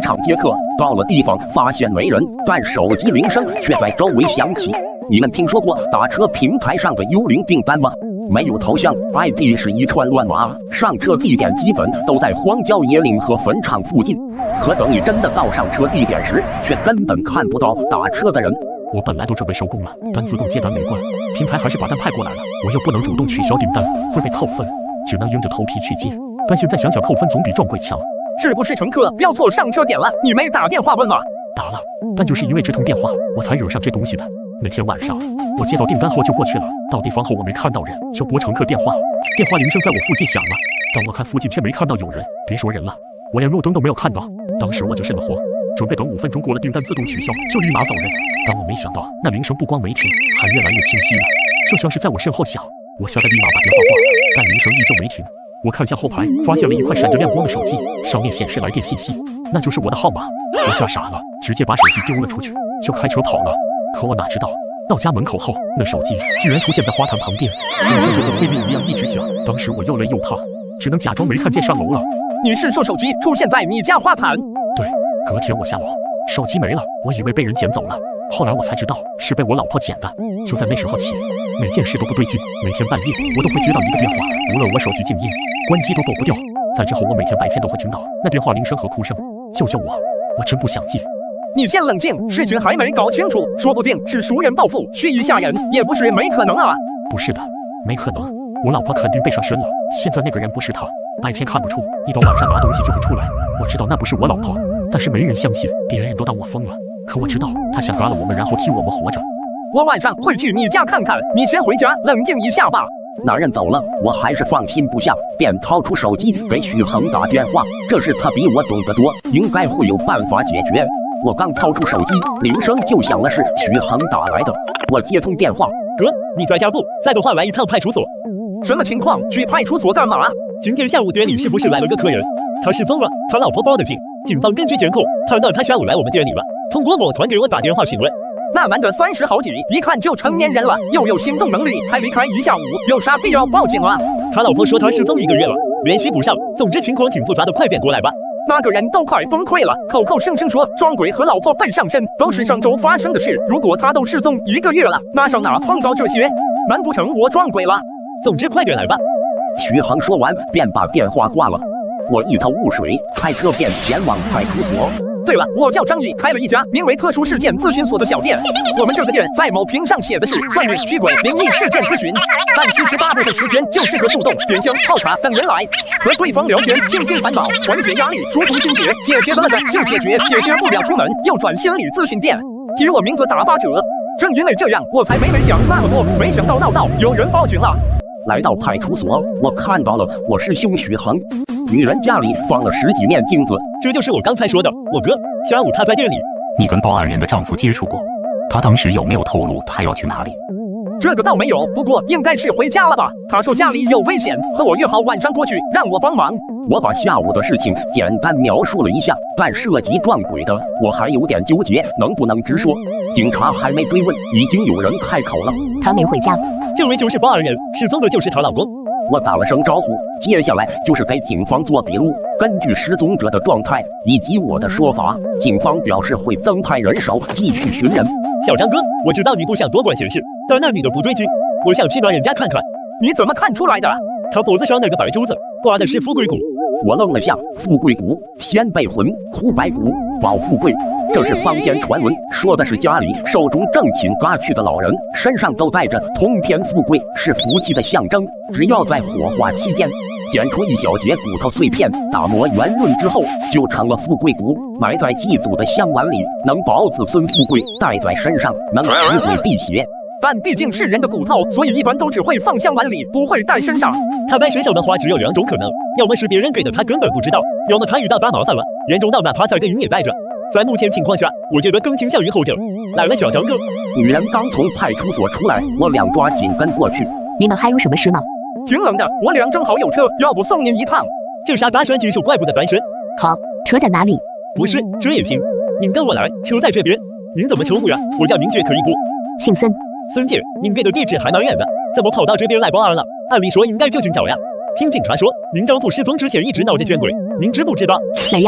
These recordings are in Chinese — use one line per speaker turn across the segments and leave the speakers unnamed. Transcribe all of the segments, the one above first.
场接客，到了地方发现没人，但手机铃声却在周围响起。你们听说过打车平台上的幽灵订单吗？没有头像 ，ID 是一串乱码，上车地点基本都在荒郊野岭和坟场附近。可等你真的到上车地点时，却根本看不到打车的人。
我本来都准备收工了，但自动接单没关，平台还是把单派过来了，我又不能主动取消订单，会被扣分，只能硬着头皮去接。但现在想想，扣分总比撞鬼强。
是不是乘客标错上车点了？你没打电话问吗？
打了，但就是因为这通电话，我才惹上这东西的。那天晚上，我接到订单后就过去了，到地方后我没看到人，就拨乘客电话，电话铃声在我附近响了，但我看附近却没看到有人，别说人了，我连路灯都没有看到。当时我就瘆得慌，准备等5分钟过了订单自动取消，就立马走人。但我没想到，那铃声不光没停，还越来越清晰了，就像是在我身后响。我吓得立马把电话挂了，但铃声依旧没停。我看向后排，发现了一块闪着亮光的手机，上面显示来电信息，那就是我的号码。我吓傻了，直接把手机丢了出去，就开车跑了。可我哪知道，到家门口后，那手机居然出现在花坛旁边，铃声就和催命一样一直响。当时我又累又怕，只能假装没看见上楼了。
你是说手机出现在你家花坛？
对，隔天我下楼，手机没了，我以为被人捡走了，后来我才知道是被我老婆捡的。就在那时候起，每件事都不对劲，每天半夜我都会接到一个电话，无论我手机静音、关机都躲不掉。在之后我每天白天都会听到那电话铃声和哭声，救救我！我真不想接。
你先冷静，事情还没搞清楚，说不定是熟人报复，蓄意吓人，也不是没可能啊。
不是的，没可能，我老婆肯定被上身了。现在那个人不是她，白天看不出，一到晚上拿东西就会出来。我知道那不是我老婆，但是没人相信，别人都当我疯了。可我知道她想嘎了我们，然后替我们活着。
我晚上会去你家看看，你先回家冷静一下吧。
男人走了，我还是放心不下，便掏出手机给许恒打电话。这事他比我懂得多，应该会有办法解决。我刚掏出手机，铃声就响了，是许恒打来的。我接通电话，
哥，你在家不？在的话来一趟派出所。
什么情况？去派出所干嘛？
今天下午店里是不是来了个客人？他失踪了，他老婆报的警，警方根据监控判断他下午来我们店里了，通过某团给我打电话询问。
那男的30好几，一看就成年人了，又有行动能力，还离开一下午，有啥必要报警啊？
他老婆说他失踪1个月了，联系不上，总之情况挺复杂的，快点过来吧。
那个人都快崩溃了，口口声声说撞鬼和老婆被上身都是上周发生的事，如果他都失踪1个月了，那上哪碰到这些？难不成我撞鬼了？
总之快点来吧。
许恒说完便把电话挂了。我一头雾水，开车便前往派出所。
对了，我叫张毅，开了一家名为特殊事件咨询所的小店。我们这个店在某屏上写的是算命、驱鬼、灵异事件咨询，但其实大部分时间就是个树洞、点香、泡茶等人来和对方聊天，静静烦恼，缓解压力，疏通心结，解决得了的就解决，解决不了出门又转心理咨询店，提我名字打8折。正因为这样，我才没想那么多，没想到闹到有人报警了。
来到派出所，我看到了我师兄许恒，女人家里放了10几面镜子，
这就是我刚才说的我哥。下午他在店里。
你跟报案人的丈夫接触过，他当时有没有透露他要去哪里？
这个倒没有，不过应该是回家了吧。他说家里有危险，和我约好晚上过去，让我帮忙。
我把下午的事情简单描述了一下，但涉及撞鬼的，我还有点纠结，能不能直说？警察还没追问，已经有人开口了。
他没回家。
这位就是报案人，失踪的就是她老公。
我打了声招呼，接下来就是给警方做笔录。根据失踪者的状态以及我的说法，警方表示会增派人手继续寻人。
小张哥，我知道你不想多管闲事，但那女的不对劲，我想去那人家看看。
你怎么看出来的？
她脖子上那个白珠子挂的是富贵骨。
我愣了下，富贵骨、偏背魂、哭白骨、保富贵，这是坊间传闻，说的是家里寿终正寝嘎去的老人身上都带着通天富贵，是福气的象征。只要在火化期间捡出一小节骨头碎片，打磨圆润之后，就成了富贵骨，埋在祭祖的香碗里，能保子孙富贵，带在身上能使鬼辟邪。
但毕竟是人的骨头，所以一般都只会放香碗里，不会带身上。
他带身上的话只有2种可能，要么是别人给的，他根本不知道；要么他遇到大麻烦了，严重到哪怕再给你也带着。在目前情况下，我觉得更倾向于后者。来了，小张哥。
女人刚从派出所出来，我2抓紧跟过去。
你们还有什么事吗？
挺冷的，我2正好有车，要不送您一趟？
这啥搭讪技术，怪不得单身。
好，车在哪里？
不是，这也行。您跟我来，车在这边。您怎么称呼呀？我叫明姐，可以不？
姓孙。
孙姐，您给的地址还蛮远的，怎么跑到这边来报案了？按理说应该就近找呀。听警察说，您丈夫失踪之前一直闹着见鬼，您知不知道？
没有。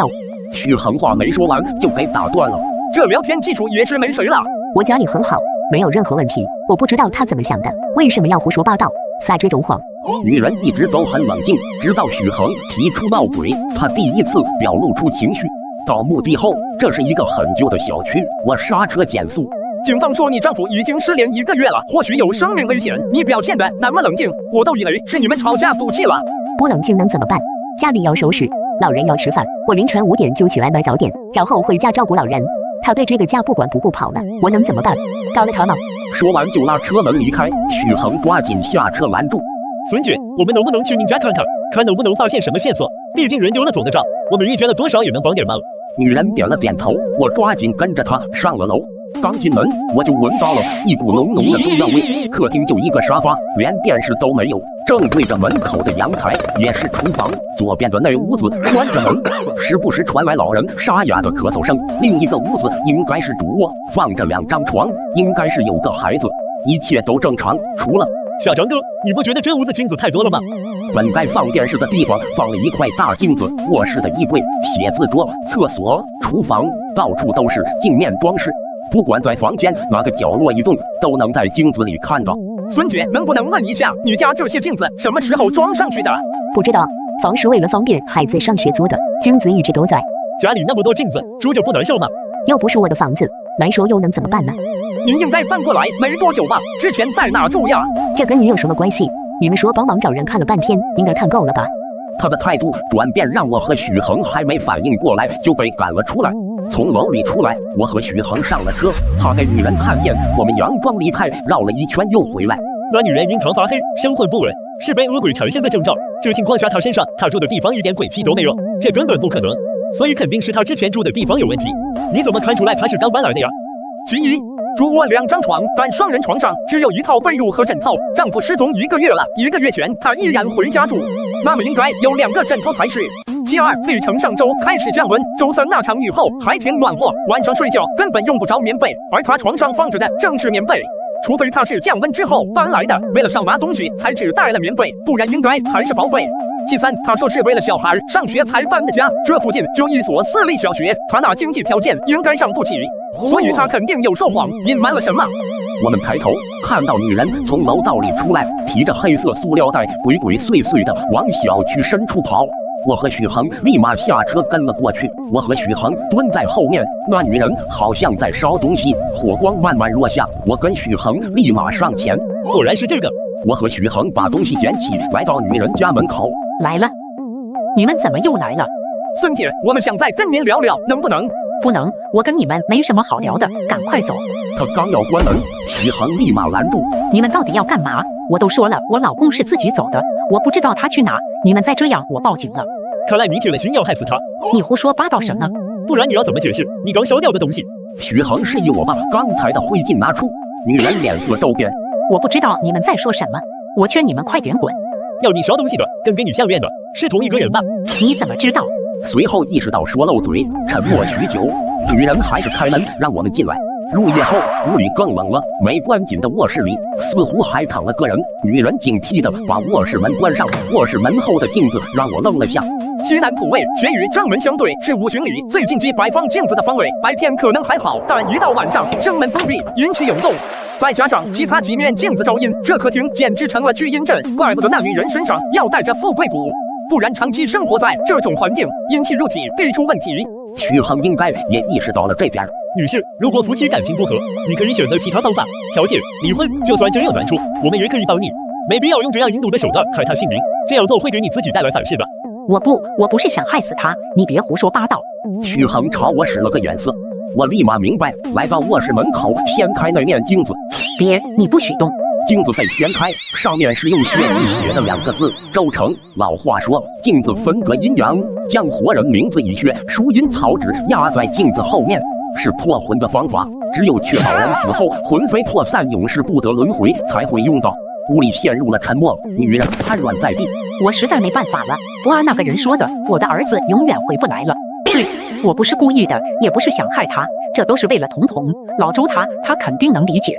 许恒话没说完就给打断了。
这聊天技术也是没谁了。
我家里很好，没有任何问题。我不知道他怎么想的，为什么要胡说八道，撒这种谎？
女人一直都很冷静，直到许恒提出闹鬼，她第一次表露出情绪。到墓地后，这是一个很旧的小区，我刹车减速。
警方说你丈夫已经失联1个月了，或许有生命危险。你表现的那么冷静，我都以为是你们吵架赌气了。
不冷静能怎么办？家里要收拾，老人要吃饭，我凌晨5点就起来买早点，然后回家照顾老人。他对这个家不管不顾跑了，我能怎么办？告了他吗？
说完就拉车门离开，许恒抓紧下车拦住。
孙姐，我们能不能去您家看看，看能不能发现什么线索？毕竟人丢了走得着，我们遇见了多少也能帮点忙。
女人点了点头，我抓紧跟着她上了楼。刚进门，我就闻到了一股浓浓的中药味。客厅就一个沙发，连电视都没有，正对着门口的阳台，也是厨房。左边的那屋子关着门，时不时传来老人沙哑的咳嗽声。另一个屋子应该是主卧，放着2张床，应该是有个孩子。一切都正常，除了……
小张哥，你不觉得这屋子镜子太多了吗？
本该放电视的地方放了一块大镜子，卧室的衣柜、写字桌、厕所、厨房，到处都是镜面装饰。不管在房间哪个角落一动，都能在镜子里看到。
孙姐，能不能问一下，你家这些镜子什么时候装上去的？
不知道，房是为了方便孩子上学租的，镜子一直都在。
家里那么多镜子，住着不难受吗？
又不是我的房子，难受又能怎么办呢？
您应该搬过来没多久吧？之前在哪住呀？
这跟你有什么关系？你们说帮忙找人看了半天，应该看够了吧？
他的态度转变让我和许恒还没反应过来就被赶了出来。从楼里出来，我和许恒上了车，他给女人看见我们佯装离开，绕了一圈又回来。
那女人印堂发黑，神魂不稳，是被恶鬼缠身的征兆。这情况下，她身上她住的地方一点鬼气都没有，这根本不可能，所以肯定是她之前住的地方有问题。你怎么看出来她是刚搬来的呀？
其一，主卧2张床，但双人床上只有一套被褥和枕头。丈夫失踪1个月了，1个月前她依然回家住，那么应该有2个枕头才是。其二，历程上周开始降温，周3那场雨后还挺暖和，晚上睡觉根本用不着棉被，而她床上放着的正是棉被。除非她是降温之后搬来的，为了少拿东西才只带了棉被，不然应该还是薄被。其三，她说是为了小孩上学才搬的家，这附近就一所私立小学，她那经济条件应该上不起，所以她肯定有说谎，隐瞒了什么。
我们抬头看到女人从楼道里出来，提着黑色塑料袋，鬼鬼祟祟的往小区深处跑。我和许恒立马下车跟了过去，我和许恒蹲在后面，那女人好像在烧东西，火光慢慢落下，我跟许恒立马上前。
果然是这个。
我和许恒把东西捡起，来到女人家门口。
来了，你们怎么又来了？
孙姐，我们想再跟您聊聊，能不能？
不能，我跟你们没什么好聊的，赶快走。
他刚要关门，许恒立马拦住。
你们到底要干嘛？我都说了，我老公是自己走的，我不知道他去哪，你们再这样，我报警了。
看来你铁了心要害死他。
你胡说八道什么？
不然你要怎么解释你刚烧掉的东西？
许恒示意我把刚才的灰烬拿出，女人脸色骤变。
我不知道你们在说什么，我劝你们快点滚。
要你烧东西的跟给你项链的是同一个人吧？
你怎么知道？
随后意识到说漏嘴，沉默许久，女人还是开门让我们进来。入夜后，屋里更冷了，没关紧的卧室里似乎还躺了个人。女人警惕地把卧室门关上，卧室门后的镜子让我愣了下。
西南普位全与正门相对，是5巡里最近期摆放镜子的方位。白天可能还好，但一到晚上，正门封闭，阴气涌动，再加上其他几面镜子照阴，这客厅简直成了聚阴阵。怪不得那女人身上要带着富贵骨，不然长期生活在这种环境，阴气入体必出问题。
许恒应该也意识到了这点。
女士，如果夫妻感情不和，你可以选择其他方法调解离婚。就算真有难处，我们也可以帮你，没必要用这样阴毒的手段害他性命，这样做会给你自己带来反噬的。
我不是想害死他，你别胡说八道。
许恒朝我使了个眼色，我立马明白，来到卧室门口，掀开那面镜子。
别，你不许动。
镜子被掀开，上面是用血迹写的2个字：周成。老话说，镜子分隔阴阳，将活人名字以血书阴草纸压在镜子后面，是破魂的方法。只有确保人死后魂飞魄散，永世不得轮回，才会用到。屋里陷入了沉默，女人瘫软在地。
我实在没办法了，不按那个人说的，我的儿子永远回不来了。对，我不是故意的，也不是想害他，这都是为了彤彤。老周他肯定能理解的。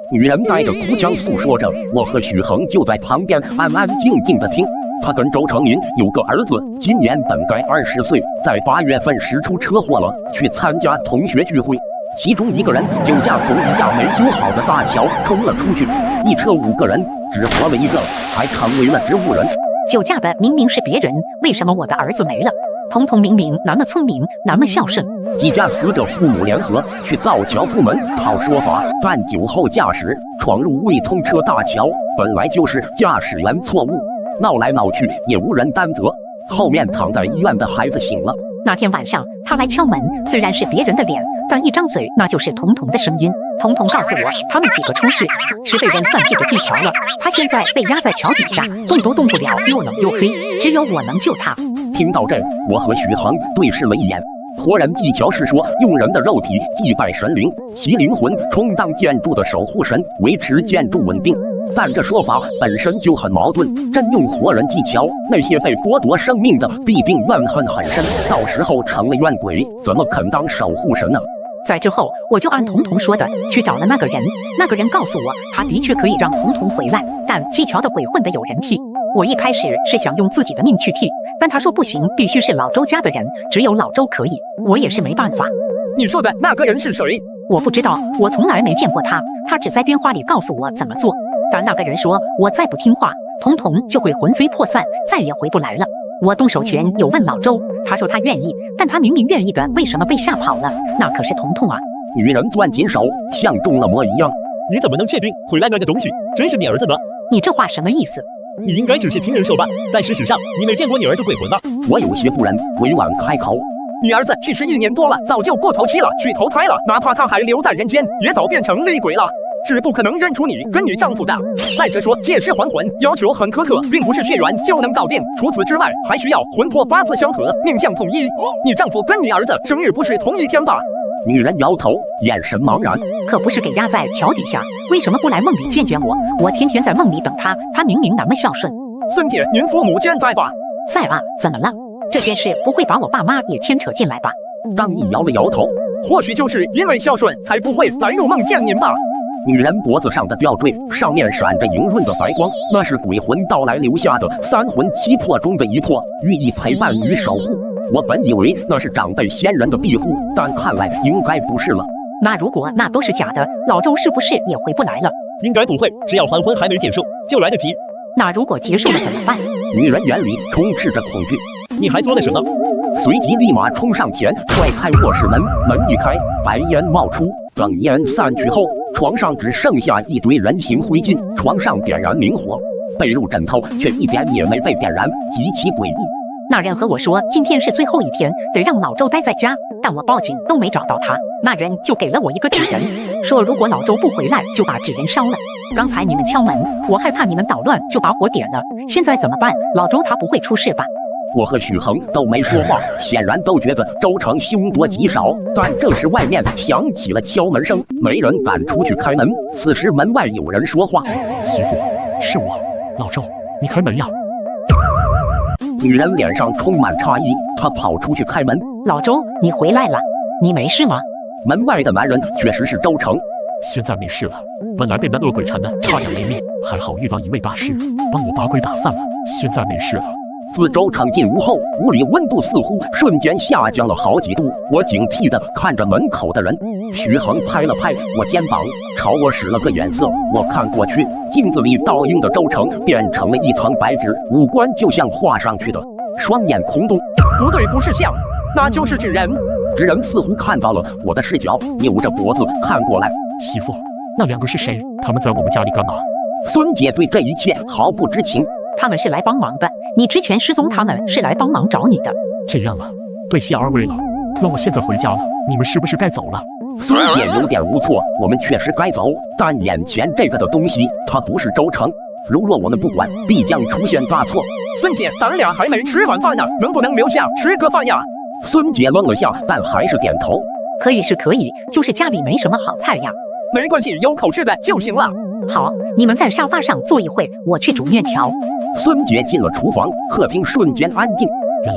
女人带着哭腔诉说着，我和许恒就在旁边安安静静的听。他跟周成林有个儿子，今年本该20岁，在8月份时出车祸了，去参加同学聚会，其中一个人酒驾从一架没修好的大桥冲了出去，一车5个人，只活了一个，还成为了植物人。
酒驾的明明是别人，为什么我的儿子没了？彤彤明明那么聪明，那么孝顺。
几家死者父母联合去造桥部门讨说法，但酒后驾驶闯入未通车大桥，本来就是驾驶员错误，闹来闹去也无人担责。后面躺在医院的孩子醒了。
那天晚上他来敲门，虽然是别人的脸，但一张嘴那就是彤彤的声音。彤彤告诉我，他们几个出事是被人算计的技巧了。他现在被压在桥底下，动都动不了，又冷又黑，只有我能救他。
听到这，我和许恒对视了一眼。活人技巧是说，用人的肉体祭拜神灵，其灵魂充当建筑的守护神，维持建筑稳定。但这说法本身就很矛盾，真用活人技巧，那些被剥夺生命的必定怨恨很深，到时候成了怨鬼，怎么肯当守护神呢？
在之后，我就按彤彤说的去找了那个人。那个人告诉我，他的确可以让彤彤回来，但技巧的鬼混得有人替。我一开始是想用自己的命去替，但他说不行，必须是老周家的人，只有老周可以。我也是没办法。
你说的那个人是谁？
我不知道，我从来没见过他，他只在电话里告诉我怎么做。但那个人说，我再不听话，彤彤就会魂飞魄散，再也回不来了。我动手前有问老周，他说他愿意，但他明明愿意的，为什么被吓跑了？那可是彤彤啊！
女人攥紧手，像中了魔一样。
你怎么能确定回来那个东西真是你儿子呢？
你这话什么意思？
你应该只是听人说吧，但事实上你没见过你儿子鬼魂吧？
我有些不忍，委婉开口。
你儿子去世1年多了，早就过头期了，去投胎了，哪怕他还留在人间，也早变成厉鬼了。是不可能认出你跟你丈夫的。再者说，借尸还魂要求很苛刻，并不是血缘就能搞定。除此之外，还需要魂魄八字相合，命相统一。你丈夫跟你儿子生日不是同一天吧？
女人摇头，眼神茫然。
可不是给压在桥底下，为什么不来梦里见见我？我天天在梦里等他，他明明那么孝顺。
孙姐，您父母健在吧？
在啊，怎么了？这件事不会把我爸妈也牵扯进来吧？
张毅摇了摇头，
或许就是因为孝顺，才不会来入梦见您吧。
女人脖子上的吊坠上面闪着莹润的白光，那是鬼魂到来留下的3魂7魄中的一魄，寓意陪伴与守护。我本以为那是长辈先人的庇护，但看来应该不是了。
那如果那都是假的，老周是不是也回不来了？
应该不会，只要还魂还没结束，就来得及。
那如果结束了怎么办？
女人眼里充斥着恐惧。
你还做了什么？
随即立马冲上前踹开卧室门，门一开，白烟冒出。等烟散去后，床上只剩下一堆人形灰烬，床上点燃明火，被褥枕头却一点也没被点燃，极其诡异。
那人和我说，今天是最后一天，得让老周待在家，但我报警都没找到他。那人就给了我一个纸人，说如果老周不回来，就把纸人烧了。刚才你们敲门，我害怕你们捣乱，就把火点了。现在怎么办？老周他不会出事吧？
我和许恒都没说话，显然都觉得周成凶多吉少。但这时外面响起了敲门声，没人敢出去开门。此时门外有人说话：“
媳妇，是我，老周，你开门呀！”
女人脸上充满诧异，她跑出去开门：“
老周，你回来了，你没事吗？”
门外的男人确实是周成。
现在没事了，本来被那恶鬼缠的差点没命，还好遇到一位大师，帮我把鬼打散了，现在没事了。
自周成进屋后，屋里温度似乎瞬间下降了好几度。我警惕地看着门口的人。徐恒拍了拍我肩膀，朝我使了个眼色。我看过去，镜子里倒映的周成变成了一层白纸，五官就像画上去的，双眼空洞。
不对，不是像，那就是纸人。
纸人似乎看到了我的视角，扭着脖子看过来。
媳妇，那2个是谁？他们在我们家里干嘛？
孙姐对这一切毫不知情。
他们是来帮忙的，你之前失踪，他们是来帮忙找你的。
这样啊，对谢二位了。那我现在回家了，你们是不是该走了？
孙姐有点无措，我们确实该走，但眼前这个的东西，它不是周成。如若我们不管，必将出现大错。
孙姐，咱俩还没吃晚饭呢，能不能留下吃个饭呀？
孙姐愣了下，但还是点头。
可以是可以，就是家里没什么好菜呀。
没关系，有口吃的就行了。
好，你们在沙发上坐一会，我去煮面条。
孙姐进了厨房，客厅瞬间安静。
原来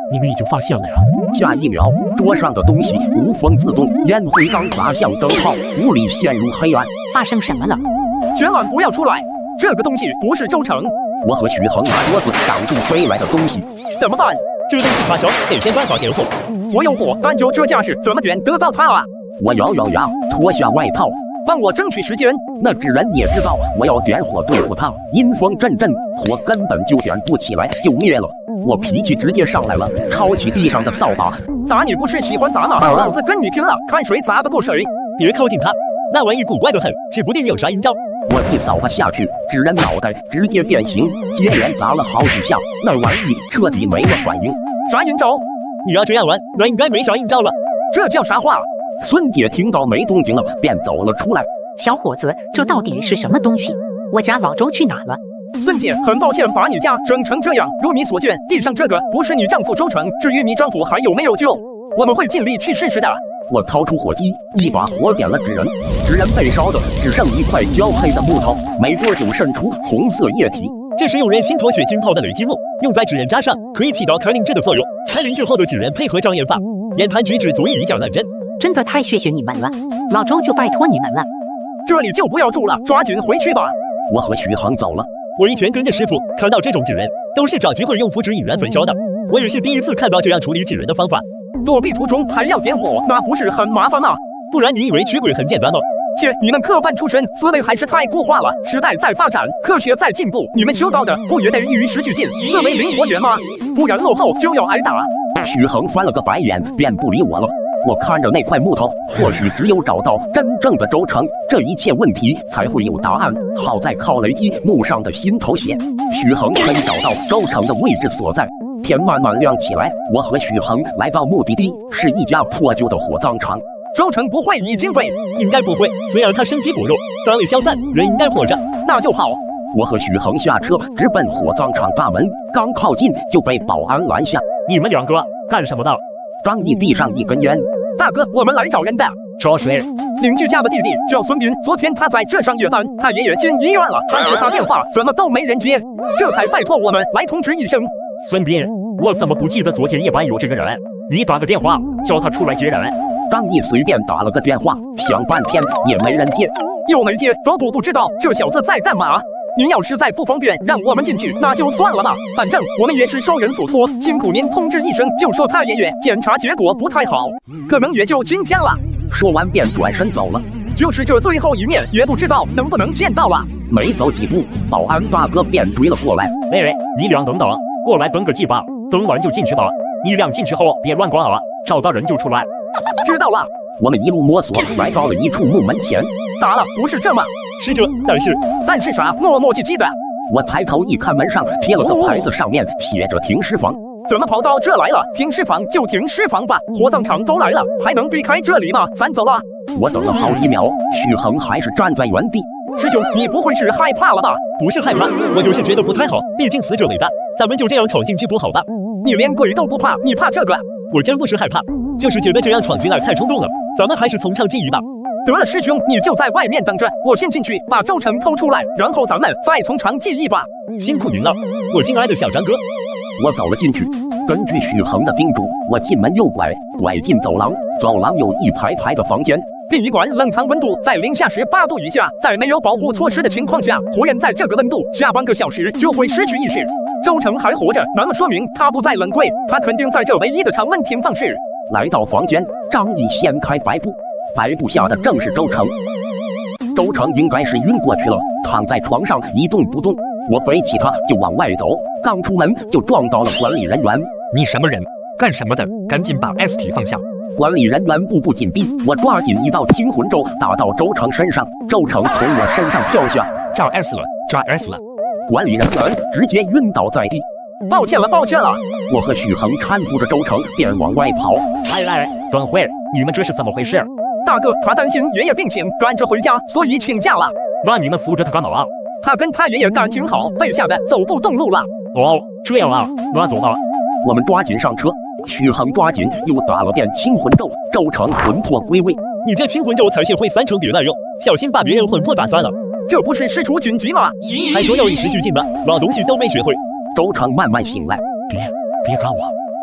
你们已经发现了呀？
下一秒，桌上的东西无风自动，烟灰缸砸向灯泡，屋里陷入黑暗。
发生什么了？
千万不要出来！这个东西不是周成。
我和许恒拿桌子挡住飞来的东西。
怎么办？
这东西发烧，得先关好点火。
我有火，但就这架势，怎么点得到它啊？
我咬咬牙，脱下外套，
帮我争取时间。
那纸人也知道我要点火对付他，阴风阵阵，火根本就点不起来，就灭了。我脾气直接上来了，抄起地上的扫把，
砸你不是喜欢砸吗？老子跟你拼了，看谁砸得过谁！
别靠近他，那玩意古怪得很，指不定有啥阴招。
我一扫把下去，纸人脑袋直接变形，接连砸了好几下，那玩意彻底没了反应。
啥阴招？
你要这样玩，那应该没啥阴招了。
这叫啥话？
孙姐听到没动静了，便走了出来。
小伙子，这到底是什么东西？我家老周去哪了？
孙姐，很抱歉把你家整成这样。如你所见，地上这个不是你丈夫周成。至于你丈夫还有没有救，我们会尽力去试试的。
我掏出火机，一把火点了纸人，纸人被烧的只剩一块焦黑的木头，没多久渗出红色液体。
这是用人心脱血浸泡的雷击木，用在纸人渣上，可以起到开灵质的作用。开灵之后的纸人配合障眼法，言谈举止足以以假乱真。
真的太谢谢你们了，老周就拜托你们了。
这里就不要住了，抓紧回去吧。
我和许恒走了。
我以前跟着师傅，看到这种纸人都是找机会用符纸引燃焚烧的，我也是第一次看到这样处理纸人的方法。
躲避途中还要点火，那不是很麻烦吗？
不然你以为驱鬼很简单吗？
切，你们科班出身，思维还是太固化了。时代在发展，科学在进步，你们修道的不也得与时俱进，思维灵活点吗？不然落后就要挨打。
许恒翻了个白眼，便不理我了。我看着那块木头，或许只有找到真正的周成，这一切问题才会有答案。好在靠雷击木上的心头血，许恒可以找到周成的位置所在。天慢慢亮起来，我和许恒来到目的地，是一家破旧的火葬场。
周成不会已经被？
应该不会，虽然他生机薄弱，单位消散，人应该活着。
那就好。
我和许恒下车，直奔火葬场大门，刚靠近就被保安拦下。
你们两个干什么的？
张毅递上一根烟。
大哥，我们来找人的。
找谁？
邻居家的弟弟叫孙斌，昨天他在这上夜班，他爷爷进医院了，但是他电话怎么都没人接，这才拜托我们来通知一声。
孙斌，我怎么不记得昨天夜班有这个人？你打个电话叫他出来接人。
张毅随便打了个电话，响半天也没人接，
又没接，不知道这小子在干嘛。您要实在不方便让我们进去，那就算了吧，反正我们也是受人所托，辛苦您通知一声，就说他爷爷检查结果不太好，可能也就今天了。
说完便转身走了，
就是这最后一面，也不知道能不能见到了。
没走几步，保安大哥便追了过来。
喂，你俩等等，过来登个记吧，登完就进去吧。你俩进去后别乱逛啊，找到人就出来。
知道了。
我们一路摸索，来到了一处木门前。
咋了？不是这吗？
是这，但是
啥？磨磨唧唧的。
我抬头一看，门上贴了个牌子，上面写着停尸房。
怎么跑到这来了？停尸房就停尸房吧，火葬场都来了，还能避开这里吗？咱走了。
我等了好几秒，许恒还是站在原地。
师兄，你不会是害怕了吧？
不是害怕，我就是觉得不太好，毕竟死者为大，咱们就这样闯进去不好吧？
你连鬼都不怕，你怕这个？
我真不是害怕，就是觉得这样闯进来太冲动了，咱们还是从长计议吧。
得了，师兄，你就在外面等着，我先进去把周成偷出来，然后咱们再从长计议吧。
辛苦您了，我敬爱的小张哥。
我走了进去，根据许恒的叮嘱，我进门右拐，拐进走廊，走廊有一排排的房间。
殡仪馆冷藏温度在零下18度以下，在没有保护措施的情况下，活人在这个温度下半个小时就会失去意识。周成还活着，那么说明他不在冷柜，他肯定在这唯一的常温停放室。
来到房间，张毅掀开白布，白布下的正是周成。周成应该是晕过去了，躺在床上一动不动。我背起他就往外走，刚出门就撞到了管理人员。
你什么人？干什么的？赶紧把 S 体放下！
管理人员步步紧逼，我抓紧一道清魂咒打到周成身上，周成从我身上跳下，
抓 S 了，抓 S 了！
管理人员直接晕倒在地。
抱歉了，抱歉了！
我和许恒搀扶着周成便往外跑。
哎，等会儿，你们这是怎么回事？
大哥，他担心爷爷病情，赶着回家，所以请假了。
那你们扶着他干嘛？
他跟他爷爷感情好，被吓得走不动路了。
哦，这样啊，那走吧。
我们抓紧上车。许恒抓紧又打了遍清魂咒，周成魂魄归位。
你这清魂咒才学会3成别乱用，小心把别人魂魄打散了。
这不是事出紧急吗？
还说要与时俱进吧，老东西都没学会。
周成慢慢醒来，
别干我，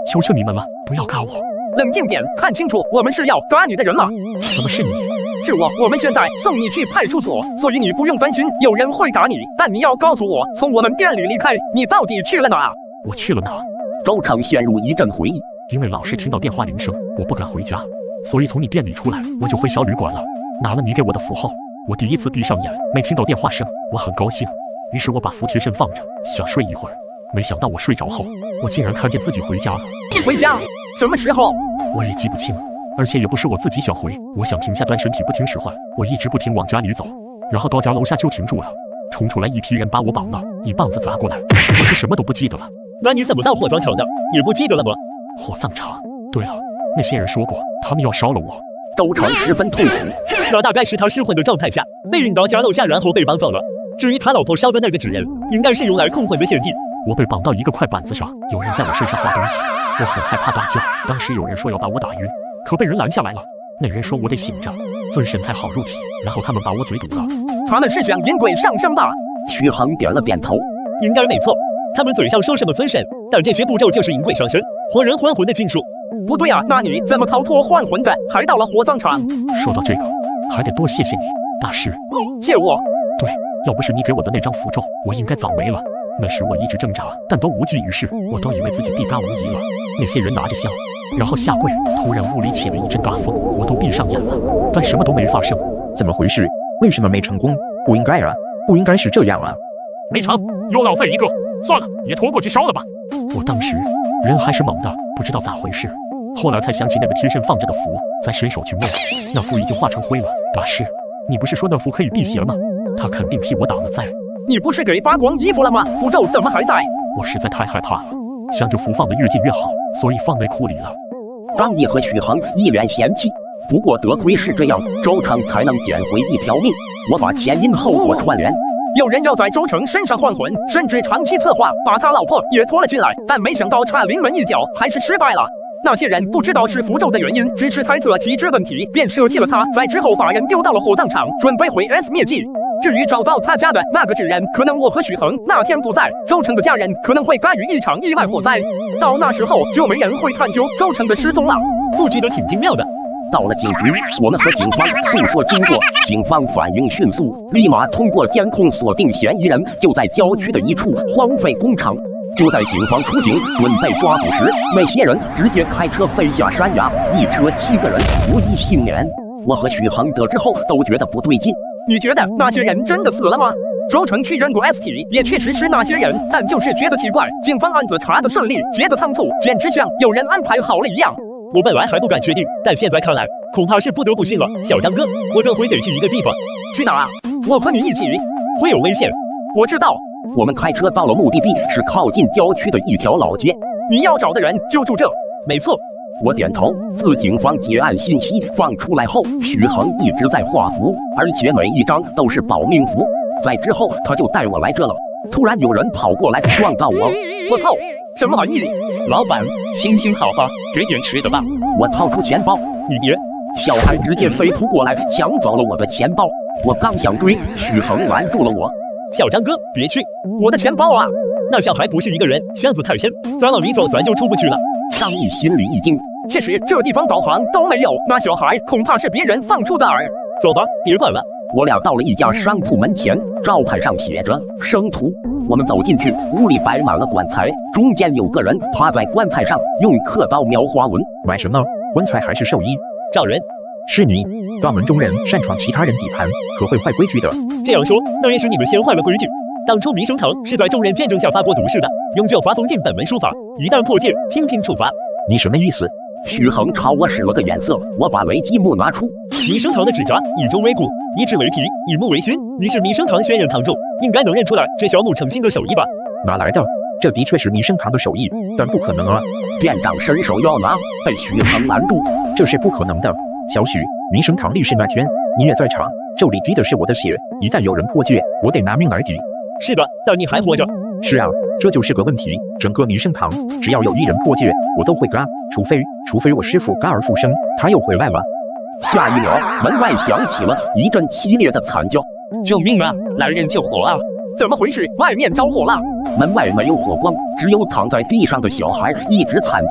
求求你们了，不要嘎我！
冷静点，看清楚，我们是要嘎你的人吗？
怎么是你？
是我，我们现在送你去派出所，所以你不用担心有人会打你，但你要告诉我，从我们店里离开，你到底去了哪？
我去了哪？
周成陷入一阵回忆。
因为老是听到电话铃声，我不敢回家，所以从你店里出来，我就回小旅馆了，拿了你给我的符后，我第一次闭上眼，没听到电话声，我很高兴，于是我把符贴身放着，想睡一会儿。没想到我睡着后，我竟然看见自己回家了。
回家？什么时候？
我也记不清，而且也不是我自己想回，我想停下，但身体不听使唤，我一直不停往家里走，然后到家楼下就停住了，冲出来一批人把我绑了，一棒子砸过来，我是什么都不记得了。
那你怎么到火葬场的？也不记得了吗？
火葬场？对了，那些人说过，他们要烧了我。
周成十分痛苦。
那大概是他失魂的状态下被引到家楼下，然后被绑走了。至于他老婆烧的那个纸人，应该是用来控魂的陷阱。
我被绑到一个快板子上，有人在我身上画东西，我很害怕大叫。当时有人说要把我打晕，可被人拦下来了。那人说我得醒着，尊神才好入体，然后他们把我嘴堵了。
他们是想引鬼上身吧？
徐恒点了点头，
应该没错。他们嘴上说什么尊神，但这些步骤就是引鬼上身、活人还魂的禁术。
不对啊，那你怎么逃脱换魂的，还到了火葬场？
说到这个，还得多谢谢你，大师。
谢我？
对，要不是你给我的那张符咒，我应该早没了。那时我一直挣扎，但都无济于事，我都以为自己必嘎无疑了。那些人拿着香，然后下跪，突然屋里起了一阵大风，我都闭上眼了，但什么都没发生。
怎么回事？为什么没成功？不应该啊，不应该是这样啊！
没成，又浪费一个，算了，也拖过去烧了吧。我当时人还是懵的，不知道咋回事。后来才想起那个贴身放着的符，再伸手去摸，那符已经化成灰了。大师，你不是说那符可以辟邪吗？他肯定替我挡了灾。
你不是给扒光衣服了吗？符咒怎么还在？
我实在太害怕了，想着符放得越近越好，所以放内裤里了。
张毅和许恒一脸嫌弃，不过得亏是这样，周成才能捡回一条命。我把前因后果串联。
有人要在周成身上换魂，甚至长期策划把他老婆也拖了进来，但没想到差临门一脚，还是失败了。那些人不知道是符咒的原因，只是猜测体质问题，便舍弃了他，在之后把人丢到了火葬场，准备毁 S 灭迹。至于找到他家的那个纸人，可能我和许恒那天不在，周成的家人可能会干于一场意外火灾，到那时候就没人会探究周成的失踪了。
布局得挺精妙的。
到了警局，我们和警方诉说经过，警方反应迅速，立马通过监控锁定嫌疑人就在郊区的一处荒废工厂。就在警方出警准备抓捕时，那些人直接开车飞下山崖，一车7个人无一幸免。我和许恒得知后都觉得不对劲。
你觉得那些人真的死了吗？周成去认过 S 体，也确实是那些人，但就是觉得奇怪，警方案子查得顺利，结得仓促，简直像有人安排好了一样。
我本来还不敢确定，但现在看来，恐怕是不得不信了。小张哥，我等会得去一个地方。
去哪啊？我和你一起。
会有危险。
我知道。
我们开车到了目的地，是靠近郊区的一条老街。
你要找的人就住这。
没错。
我点头。自警方结案信息放出来后，许恒一直在画符，而且每一张都是保命符。在之后，他就带我来这了。突然有人跑过来撞到我，
我操！什么玩意？
老板，行行好吧，给点吃的吧。
我掏出钱包，
你别！
小孩直接飞扑过来，抢走了我的钱包。我刚想追，许恒拦住了我。
小张哥，别去！
我的钱包啊！
那小孩不是一个人，巷子太深，咱往里走，咱就出不去了。
张毅心里一惊，
确实这地方导航都没有，那小孩恐怕是别人放出的饵。
走吧，别管了。
我俩到了一家商铺门前，招牌上写着生徒。我们走进去，屋里摆满了棺材，中间有个人趴在棺材上，用刻刀描花纹。
买什么？棺材还是寿衣？
找人。
是你，大门中人，擅闯其他人地盘，可会坏规矩的。
这样说，那也是你们先坏了规矩。当初弥生堂是在众人见证下发过毒誓的，永久罚封禁本门书法，一旦破戒，听凭处罚。
你什么意思？
许恒朝我使了个眼色，我把雷击木拿出。
弥生堂的纸扎以中为骨，以纸为皮，以木为心。你是弥生堂仙人堂主，应该能认出来这小木诚心的手艺吧？
哪来的？这的确是弥生堂的手艺，但不可能啊！
店长伸手要拿，被许恒拦住。
这是不可能的。小许，弥生堂立誓那天，你也在场，咒里滴的是我的血，一旦有人破戒，我得拿命来抵。
是的，但你还活着。
是啊，这就是个问题。整个弥生堂，只要有一人破戒，我都会嘎，除非我师父嘎而复生，他又回来了。
下一秒，门外响起了一阵激烈的惨叫：“
救命啊！来人救火啊！”
怎么回事？外面着火了！
门外没有火光，只有躺在地上的小孩一直惨叫。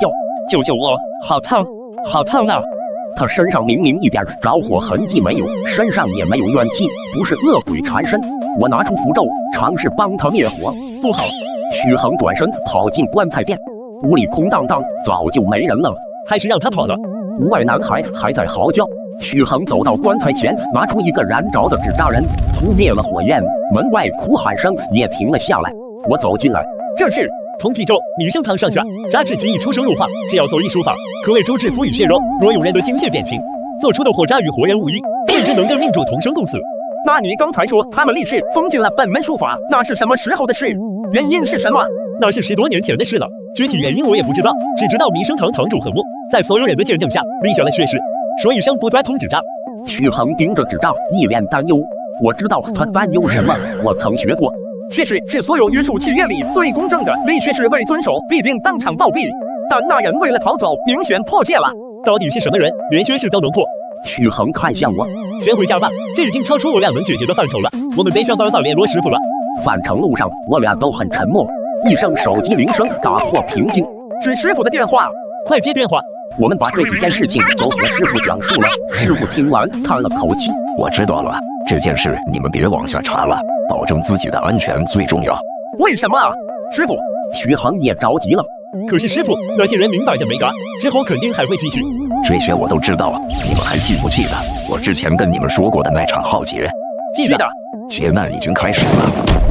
救救我，好烫，好烫啊！
他身上明明一点着火痕迹没有，身上也没有怨气，不是恶鬼缠身。我拿出符咒，尝试帮他灭火，不好！许恒转身跑进棺材店，屋里空荡荡，早就没人了。
还是让他跑了。
屋外男孩还在嚎叫。许恒走到棺材前，拿出一个燃着的纸扎人，扑灭了火焰。门外哭喊声也停了下来。我走进来，
这是通体咒，女生堂上下，扎至极易出生入化，只要做一术法，可谓周至肤与血肉。若有人的精血变形，做出的火渣与活人无异，甚至能跟命主同生共死。
那你刚才说他们立誓封禁了本门术法，那是什么时候的事？原因是什么？
那是10多年前的事了，具体原因我也不知道，只知道弥生堂堂主和睦，在所有人的见证下立下了血誓，说一生不再碰纸扎。
许恒盯着纸扎，一脸担忧。我知道他担忧什么，我曾学过。
血誓是所有约束契约里最公正的，立血誓未遵守必定当场暴毙。但那人为了逃走，明显破戒了。
到底是什么人，连血誓都能破？
许恒看向我，
先回家吧，这已经超出我俩能解决的范畴了。我们得想办法联络师傅了。
返程路上，我俩都很沉默。一声手机铃声打破平静，
是师傅的电话，
快接电话。
我们把这几件事情都和师傅讲述了。师傅听完叹了口气，
我知道了，这件事你们别往下查了，保证自己的安全最重要。
为什么啊，师傅？
许恒也着急了。
可是师傅，那些人明摆着没干，之后肯定还会继续。
这些我都知道，你们还记不记得我之前跟你们说过的那场浩劫？
记得。
劫难已经开始了。